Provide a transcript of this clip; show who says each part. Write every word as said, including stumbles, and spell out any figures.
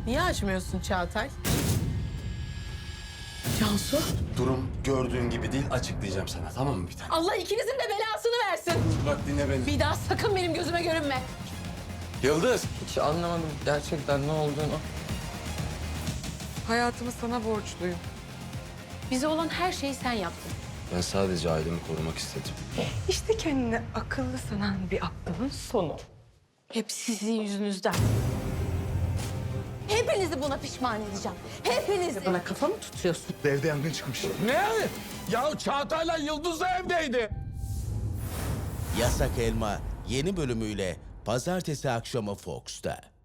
Speaker 1: Niye açmıyorsun Çağatay? Cansu.
Speaker 2: Durum gördüğün gibi değil, açıklayacağım sana, tamam mı bir tane?
Speaker 1: Allah ikinizin de belasını versin.
Speaker 2: Bak dinle beni.
Speaker 1: Bir daha sakın benim gözüme görünme.
Speaker 2: Yıldız!
Speaker 3: Hiç anlamadım gerçekten ne olduğunu. Hayatımı sana borçluyum.
Speaker 1: Bize olan her şeyi sen yaptın.
Speaker 2: Ben sadece ailemi korumak istedim.
Speaker 3: İşte kendini akıllı sanan bir aptalın sonu.
Speaker 1: Hep sizin yüzünüzden. Hepinizi buna pişman edeceğim. Hepinizi. Bana kafa mı tutuyorsun?
Speaker 4: Evde yangın çıkmış.
Speaker 5: Ne? Ya Çağatay'la Yıldız da evdeydi.
Speaker 6: Yasak Elma yeni bölümüyle pazartesi akşamı Fox'ta.